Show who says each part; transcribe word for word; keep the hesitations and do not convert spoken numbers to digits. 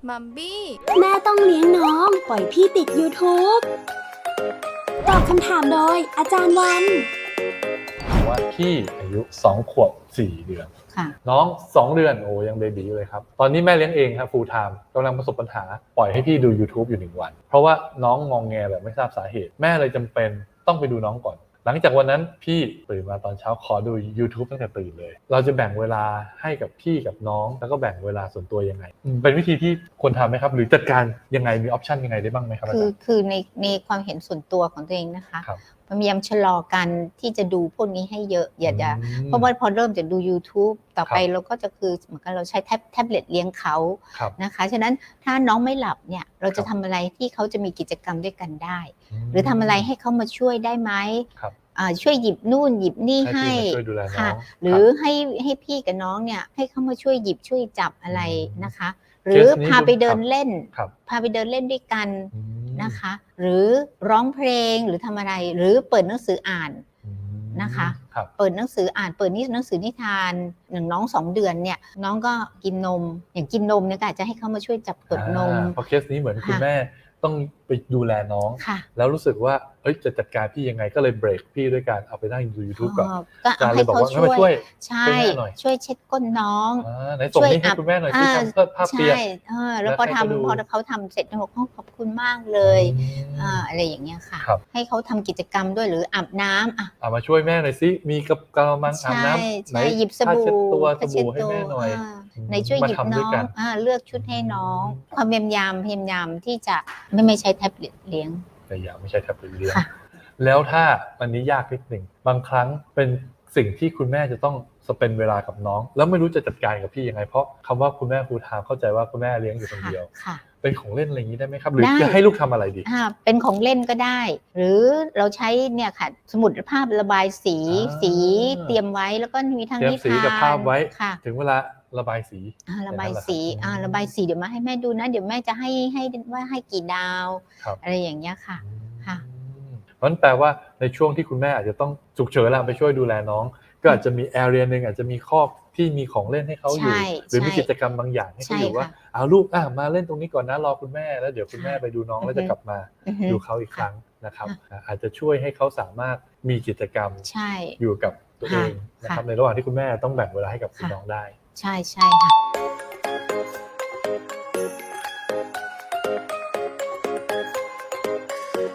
Speaker 1: มัมบี้
Speaker 2: แม่ต้องเลี้ยงน้องปล่อยพี่ติด YouTube ตอบคำถามโดยอาจารย์วัน
Speaker 3: ว่าพี่อายุสองขวบสี่เดือนน้องสองเดือนโอ้ยังเบบีอยู่เลยครับตอนนี้แม่เลี้ยงเองครับ full time กำลังประสบปัญหาปล่อยให้พี่ดู YouTube อยู่หนึ่งวันเพราะว่าน้องงองแงแบบไม่ทราบสาเหตุแม่เลยจำเป็นต้องไปดูน้องก่อนหลังจากวันนั้นพี่ตื่นมาตอนเช้าขอดู YouTube ตั้งแต่ตื่นเลยเราจะแบ่งเวลาให้กับพี่กับน้องแล้วก็แบ่งเวลาส่วนตัวยังไงเป็นวิธีที่ควรทำไหมครับหรือจัดการยังไงมีออปชันยังไงได้บ้างไหมครับ
Speaker 4: คือคือในในความเห็นส่วนตัวของตัวเองนะคะพยายามชะลอกันที่จะดูพวกนี้ให้เยอะอย่าจะเพราะว่าพอเริ่มจะดู YouTube ต่อไปเราก็จะคือเหมือนกันเราใช้แท็บแท็บเล็ตเลี้ยงเขานะคะฉะนั้นถ้าน้องไม่หลับเนี่ยเราจะทำอะไรที่เขาจะมีกิจกรรมด้วยกันได้หรือทำอะไรให้เขามาช่วยได้ไหมช่วยหยิบนู่นหยิบนี่ให้ค่ะหรือให้ให้พี่กับน้องเนี่ยให้เขามาช่วยหยิบช่วยจับอะไรนะคะหรือพาไปเดินเล่นพาไปเดินเล่นด้วยกันนะคะหรือร้องเพลงหรือทำอะไรหรือเปิดหนังสืออ่านนะคะเปิดหนังสืออ่านเปิดนิหนังสือนิทานหนึ่งน้องสองเดือนเนี่ยน้องก็กินนมอย่างกินนมเนี่ยก็อาจจะให้เขามาช่วยจับกดนม
Speaker 3: เพราะเคสนี้เหมือนคุณแม่ต้องไปดูแลน้องแล้วรู้สึกว่าเอ้ยจะจัดการพี่ยังไงก็เลยเบรกพี่ด้วยการเอาไปนั่งดู YouTube ก่อน
Speaker 4: ก็ให้เขาช่วยใช่ช่วยเช็ดก้นน้อง
Speaker 3: ไหนส่งนี้ให้คุณแม่หน่อยที่ทำเพื่อภาพเปียก
Speaker 4: แล้วพอทำพอเขาทำเสร็จเขาบอกขอบคุณมากเลยอะไรอย่างเงี้ยค่ะให้เขาทำกิจกรรมด้วยหรืออาบน้ำอ่ะ
Speaker 3: เอามาช่วยแม่หน่อยสิมีกระมังอาบน้ำ
Speaker 4: ไหนหยิบสบู่
Speaker 3: ตัวสบู่ให้แม่หน่อย
Speaker 4: ในช่วยหยิบน้องเลือกชุดให้น้องความพยายามพยายามที่จะไม่ไม่ใช้แท็บเล็ตเลี้ยง
Speaker 3: พยายามไม่ใช้แท็บเล็ตเลี้ยงแล้วถ้าอันนี้ยากนิดหนึ่งบางครั้งเป็นสิ่งที่คุณแม่จะต้องสเปนเวลากับน้องแล้วไม่รู้จะจัดการกับพี่ยังไงเพราะคำว่าคุณแม่ฟูลไทม์เข้าใจว่าคุณแม่เลี้ยงอยู่คนเดียวเป็นของเล่นอะไรอย่างนี้ได้ไหมครับหรือจะให้ลูกทำอะไรดี
Speaker 4: เป็นของเล่นก็ได้หรือเราใช้เนี่ยค่ะสมุดภาพระบายสีสีเตรียมไว้แล้วก็มีทั้งนิทาน
Speaker 3: สีกับภาพไว้ถึงเวลาระบายสี
Speaker 4: ระบายสีระบายสีเดี๋ยวมาให้แม่ดูนะเดี๋ยวแม่จะให้ให้ว่าให้กี่ดาวอะไรอย่างเงี้ยค่ะค่ะ
Speaker 3: นั่นแปลว่าในช่วงที่คุณแม่อาจจะต้องฉุกเฉินแล้วไปช่วยดูแลน้องก็อาจจะมีแอเรียนึงอาจจะมีครอบที่มีของเล่นให้เขาอยู่หรือมีกิจกรรมบางอย่างให้เขาอยู่ว่าเอาลูกอ่ะมาเล่นตรงนี้ก่อนนะรอคุณแม่แล้วเดี๋ยวคุณแม่ไปดูน้องแล้วจะกลับมาดูเขาอีกครั้งนะครับอาจจะช่วยให้เขาสามารถมีกิจกรรมอยู่กับตัวเองนะครับในระหว่างที่คุณแม่ต้องแบ่งเวลาให้กับคุณน้องได้
Speaker 4: ใช่ใช่ค่ะ